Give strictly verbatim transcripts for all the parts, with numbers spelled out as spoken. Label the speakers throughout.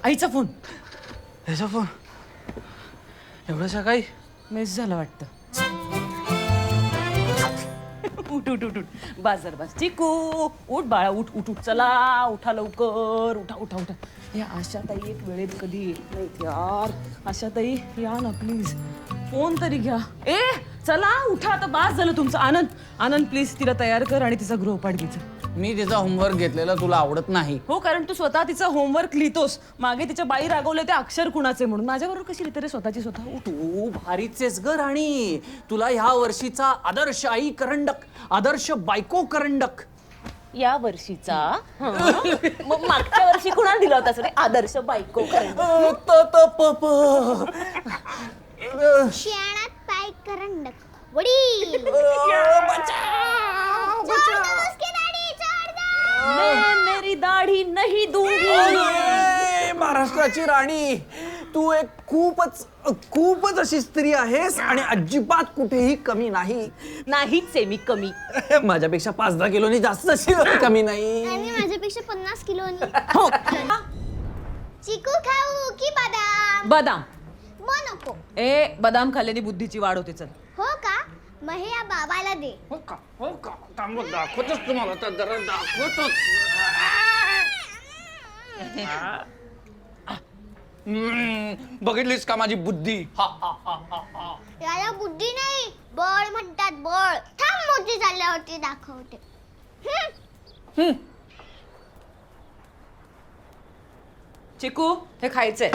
Speaker 1: आईचा फोन.
Speaker 2: ह्याचा फोन एवढं सकाळी
Speaker 1: मिस झालं वाटतं. उठ उठ उठ उठ बाजार बाज चिकू उठ बाळा उठ उठ उठ चला उठा लवकर उठा उठा उठा. या आशाताई एक वेळेत कधी येत नाहीत यार. आशाताई या ना प्लीज फोन तरी घ्या. ए चला उठा आता बास झालं तुमचं. आनंद आनंद प्लीज तिला तयार कर आणि तिचा गृहपाठ घ्यायचा.
Speaker 2: मी तिचा होमवर्क घेतलेला तुला आवडत नाही.
Speaker 1: हो कारण तू स्वतः तिचा होमवर्क लिहितोस. मागे तिच्या बाई रागवले ते अक्षर कुणाचे म्हणून. माझ्याबरोबर कशी लिहिते रे स्वतःची स्वतः. उठ.
Speaker 2: तू भारीचेस ग राणी. तुला ह्या वर्षीचा आदर्श आई करंडक आदर्श बायको करंडक
Speaker 1: या वर्षीचा मग मागच्या वर्षी कुणाला दिला होता रे आदर्श बायको करंडक.
Speaker 2: त त प प
Speaker 3: शियाळात पाय करंडक वडील
Speaker 1: मैं मेरी दाढी नहीं दूंगी.
Speaker 2: अरे, महाराष्ट्राची राणी तू एक खूपच खूपच अशी स्त्री आहेस आणि अजिबात कुठेही कमी नाही.
Speaker 1: नाहीच आहे मी कमी.
Speaker 2: माझ्यापेक्षा पाच दहा किलोनी जास्त अशी कमी नाही.
Speaker 3: आणि माझ्यापेक्षा पन्नास किलोनी.
Speaker 1: हो
Speaker 3: चिकू खाऊ की बदाम?
Speaker 1: बदाम.
Speaker 3: मग नको.
Speaker 1: ए बदाम खाल्ल्याने बुद्धीची वाढ होते. चल
Speaker 3: हो का? मग हे या बाबाला दे.
Speaker 2: हो का हो का थांब दाखवतोच तुम्हाला तर जरा दाखवतोच. हम्म, बघितलीस का माझी बुद्धी. हा हा हा हा हा.
Speaker 3: याला बुद्धी नाही बळ म्हणतात बळ. थांब मोठी झाल्यावरती दाखवते. हम्म.
Speaker 1: चिकू हे खायचंय.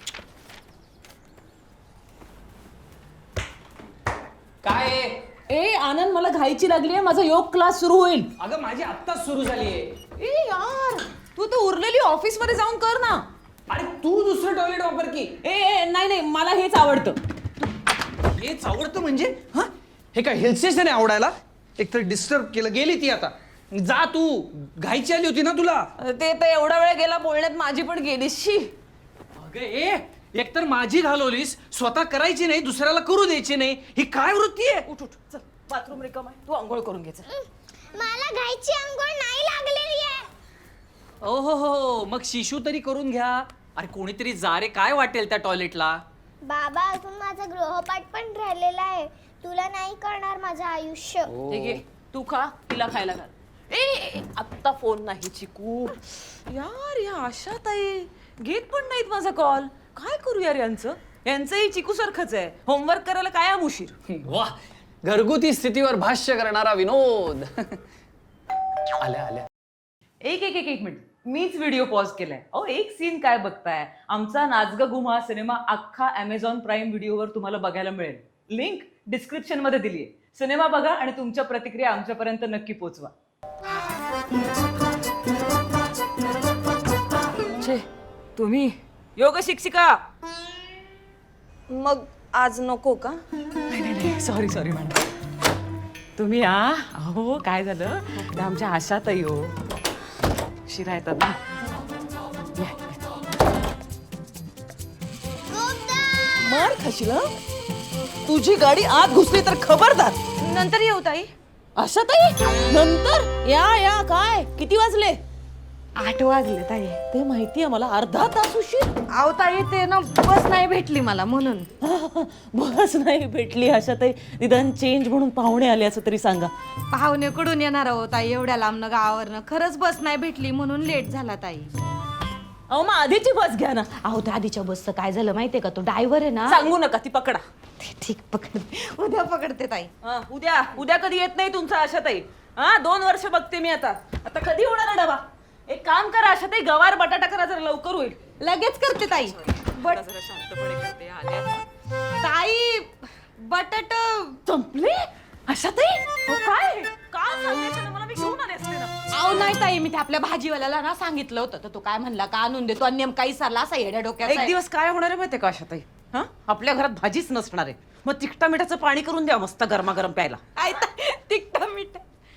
Speaker 2: काय आहे?
Speaker 1: ए आनंद मला घाईची लागली आहे. माझा योग क्लास सुरू होईल.
Speaker 2: अगं माझी आत्ताच सुरू झाली आहे.
Speaker 1: ए यार तू तर उरलेली ऑफिस मध्ये जाऊन कर ना.
Speaker 2: अरे तू दुसरं टॉयलेट वापर की.
Speaker 1: ए ए, नाही नाही मला हेच आवडतं.
Speaker 2: हेच आवडतं म्हणजे हा हे काय हिल स्टेशन आहे आवडायला. एकतर डिस्टर्ब केलं गेली ती आता. जा तू घाईची आली होती ना तुला.
Speaker 1: ते तर एवढा वेळ गेला बोलण्यात माझी पण गेली. शी
Speaker 2: अगं ए एकतर माझी घालवलीस स्वतः करायची नाही दुसऱ्याला करू द्यायची नाही. ही काय वृत्ती आहे.
Speaker 1: उठ उठ चल बाथरूम रिकाम आहे. तू आंघोळ करून घ्यायचं.
Speaker 3: मला घाईची अंघोळ नाही लागलेली आहे.
Speaker 2: ओ हो हो मग शिशू तरी करून घ्या. अरे कोणीतरी जा रे. काय वाटेल त्या टॉयलेटला.
Speaker 3: बाबा अजून माझा गृहपाठ पण राहिलेला आहे. तुला नाही करणार माझं आयुष्य.
Speaker 1: ठीक आहे तू खा तिला खायला घाल. ए, ए आत्ता फोन नाही चिकू. यार या आशाताई घेत पण नाहीत माझा कॉल. काय करू यार यांचं. यांचंही चिकू सारखंच आहे. होमवर्क करायला कायम उशीर.
Speaker 2: वा घरगुती स्थितीवर भाष्य करणारा विनोद. आल्या आल्या.
Speaker 1: एक एक एक एक मिनिट मीच व्हिडिओ पॉज केलाय. अहो एक सीन काय बघताय. आमचा नाचगा गुमा सिनेमा अख्खा अमेझॉन प्राईम व्हिडिओवर तुम्हाला बघायला मिळेल. लिंक डिस्क्रिप्शन मध्ये दिलीये. सिनेमा बघा आणि तुमच्या प्रतिक्रिया आमच्यापर्यंत नक्की पोहोचवा. छे तुम्ही योग शिक्षिका. मग आज नको का? नाही नाही नाही सॉरी सॉरी मॅडम. तुम्ही या. अहो काय झालं ते आमच्या आशाताई हो शिरा येतात ना. मार खाशील हं? तुझी गाडी आत घुसली तर खबरदार. नंतर येऊ ताई. आशाताई नंतर या या. काय किती वाजले?
Speaker 4: आठ वाजले ताई.
Speaker 1: ते माहितीये मला. अर्धा तास उशीर.
Speaker 4: अहो ताई ते ना बस नाही भेटली मला म्हणून.
Speaker 1: बस नाही भेटली. आशाताई निदान चेंज म्हणून पाहुणे आले असं तरी सांगा.
Speaker 4: पाहुणे कडून येणार आहो ताई एवढ्या लांबनं गावावरनं. खरंच बस नाही भेटली म्हणून लेट झाला ताई.
Speaker 1: अहो मग आधीची बस घ्या ना.
Speaker 4: अहो त्या आधीच्या बसचं काय झालं माहितीये का. तो ड्रायव्हर आहे ना.
Speaker 1: सांगू नका ती पकडा.
Speaker 4: ठीक पकडते उद्या पकडते ताई.
Speaker 1: हा, उद्या उद्या कधी येत नाही तुमचा आशाताई. हा दोन वर्ष बघते मी आता. आता कधी होणार आहे डबा. एक काम करा आशाताई गवार बटाटा करा जरा लवकर होईल.
Speaker 4: लगेच करते ताई. बट
Speaker 1: जरा शांतपणे करते. आल्या
Speaker 4: ताई बटाट
Speaker 1: संपले. आशाताई अहो, काय काल सांगायचं ना मला. मी घेऊन आले असते ना.
Speaker 4: अहो नाही ताई मी ते आपल्या भाजीवाल्याला ना सांगितलं होतं तर तो काय म्हणला का आणून देतो आणि नेमका विसरला असा येड्या डोक्याचा
Speaker 1: एक
Speaker 4: आहे.
Speaker 1: दिवस काय होणार आहे माहितीये का आशाताई. हा आपल्या घरात भाजीच नसणार आहे. मग तिखटा मिठाचं पाणी करून द्या मस्त गरमागरम प्यायला.
Speaker 4: आई ताई, तिखट मीठ.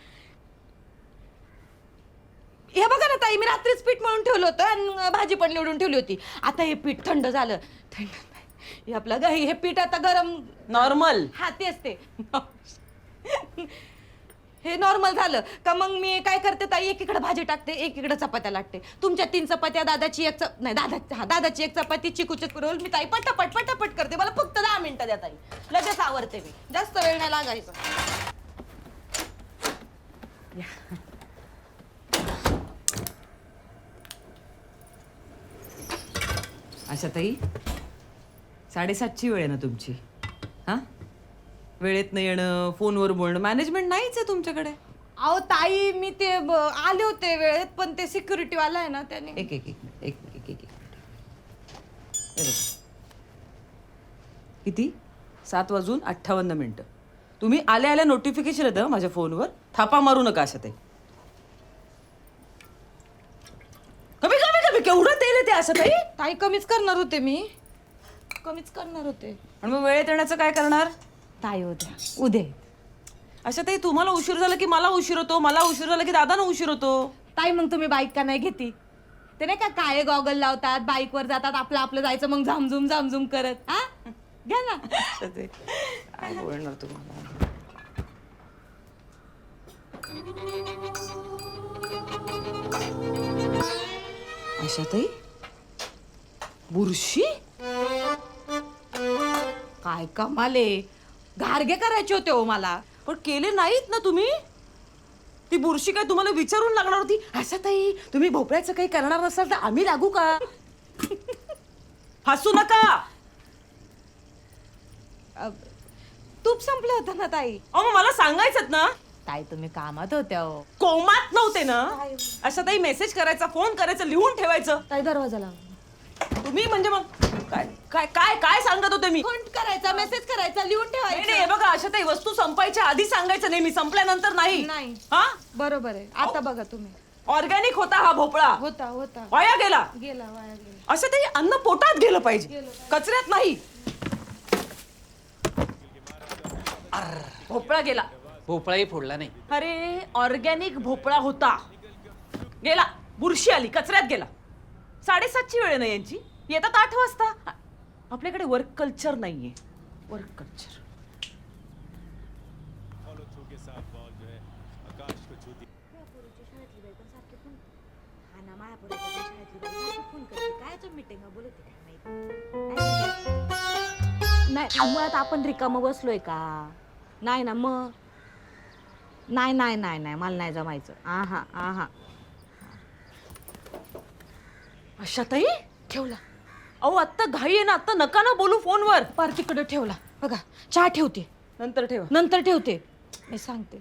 Speaker 4: हे बघा ना ताई मी रात्रीच पीठ मळून ठेवलं होतं आणि भाजी पण निवडून ठेवली होती. आता हे पीठ थंड झालं. थंड नाही हे आपलं गाई हे पीठ आता गरम
Speaker 1: नॉर्मल.
Speaker 4: हा तेच ते हे नॉर्मल झालं का मग मी काय करते ताई, एकीकडे भाजी टाकते एकीकडे चपात्या लागते. तुमच्या तीन चपात्या, दादाची एक चप नाही दादा हा दादाची एक चपाती, चिकूचे रोल मी ताई पटापट पटापट करते. मला फक्त दहा मिनिटं द्या ताई, लगेच आवरते मी, जास्त वेळ नाही लागायचा.
Speaker 1: अशा ताई, साडेसातची वेळ आहे ना तुमची? हा, वेळेत नाही येणं, फोनवर बोलणं, मॅनेजमेंट नाहीच आहे तुमच्याकडे.
Speaker 4: अहो ताई, मी ते ब- आले होते वेळेत, पण ते सिक्युरिटी वाला आहे ना त्याने.
Speaker 1: एक एक एक मिनिट, एक एक एक एक मिनिट. हे बघ. किती? सात वाजून अठ्ठावन्न मिनिटं. तुम्ही आल्या आल्या नोटिफिकेशन येतं माझ्या फोनवर. थापा मारू नका अशा ताई. कमी कमी कमी केवढं तेल आहे ते अशा ताई?
Speaker 4: ताई कमीच करणार होते मी, कमीच करणार होते.
Speaker 1: आणि मग वेळेत येण्याचं काय करणार?
Speaker 4: ताई उद्या उद्या
Speaker 1: अशा ताई, तुम्हाला उशीर झाला की मला उशीर होतो, मला उशीर झाला की दादांना उशीर होतो.
Speaker 4: ताई मग तुम्ही बाईक का नाही घेती? ते नाही का काय गॉगल लावतात, बाईकवर जातात, आपलं आपलं जायचं, मग झामझुम झामझुम करत. हा घ्या ना.
Speaker 1: अशा ताई, काय बोलणार तुम्हाला? अशा ताई, बुरशी?
Speaker 4: काय कमाले, घारगे करायचे होते हो मला.
Speaker 1: पण केले नाहीत ना तुम्ही? ती बुरशी काय तुम्हाला विचारून लागणार होती? अशा ताई, तुम्ही भोपळ्याचं काही करणार नसाल तर आम्ही लागू का? हसू नका.
Speaker 4: अ, तूप संपलं होतं ना ताई.
Speaker 1: अहो मग मला सांगायचं ना.
Speaker 4: ताई तुम्ही कामात होत्या हो.
Speaker 1: कोमात नव्हते ना? अशा ताई, मेसेज करायचा, फोन करायचं, लिहून ठेवायचं.
Speaker 4: ताई दरवाजा लावा.
Speaker 1: तुम्ही म्हणजे मग काय काय काय काय सांगत होते मी?
Speaker 4: फोन करायचा, मेसेज करायचा, लिहून
Speaker 1: नाही नाही, हे
Speaker 4: ठेवायचं.
Speaker 1: बघा अशा ताई, वस्तू संपायच्या आधी सांगायचं नाही, मी संपल्यानंतर नाही.
Speaker 4: नाही.
Speaker 1: हा,
Speaker 4: बरोबर आहे. आता बघा तुम्ही.
Speaker 1: ऑर्गॅनिक होता हा भोपळा,
Speaker 4: होता होता
Speaker 1: वाया गेला.
Speaker 4: गेला वाया गेला.
Speaker 1: असं ते अन्न पोटात गेलं पाहिजे, कचऱ्यात नाही. भोपळा गेला.
Speaker 2: भोपळाही फोडला नाही.
Speaker 1: अरे ऑर्गॅनिक भोपळा होता, गेला. बुरशी आली, कचऱ्यात गेला. साडेसातची वेळ नाही यांची, येतात आठ वाजता. आपल्याकडे वर्क कल्चर नाहीये, वर्क कल्चर.
Speaker 4: नाही मुळात आपण रिकामं बसलोय का? नाही ना मग. नाही नाही नाही नाही मला नाही जमायचं. आहा आहा.
Speaker 1: अशा ताई,
Speaker 4: ठेवला
Speaker 1: अहो आत्ता घाई आहे ना, आत्ता नका ना बोलू फोनवर.
Speaker 4: पार तिकडे ठेवला बघा. चहा ठेवते,
Speaker 1: नंतर ठेवा.
Speaker 4: नंतर ठेवते, मी सांगते.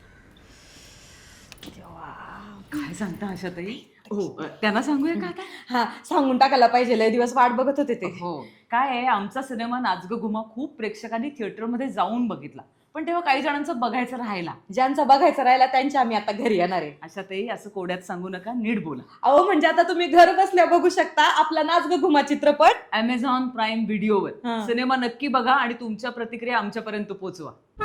Speaker 1: काय सांगता आशा ताई? हो, त्यांना सांगूया का आता?
Speaker 4: हा सांगून टाकायला पाहिजे, लय दिवस वाट बघत होते ते.
Speaker 1: हो, काय आहे, आमचा सिनेमा नाच ग घुमा खूप प्रेक्षकांनी थिएटरमध्ये जाऊन बघितला, पण तेव्हा काही जणांचं बघायचं राहिला.
Speaker 4: ज्यांचा बघायचं राहिला त्यांच्या आम्ही आता घरी येणार आहे.
Speaker 1: अशा ताई, असं कोड्यात सांगू नका, नीट बोला.
Speaker 4: अहो म्हणजे आता तुम्ही घर बसल्या बघू शकता आपला नाच ग घुमा चित्रपट
Speaker 1: अमेझॉन प्राईम व्हिडिओवर.
Speaker 4: हा.
Speaker 1: सिनेमा नक्की बघा आणि तुमच्या प्रतिक्रिया आमच्यापर्यंत पोहोचवा.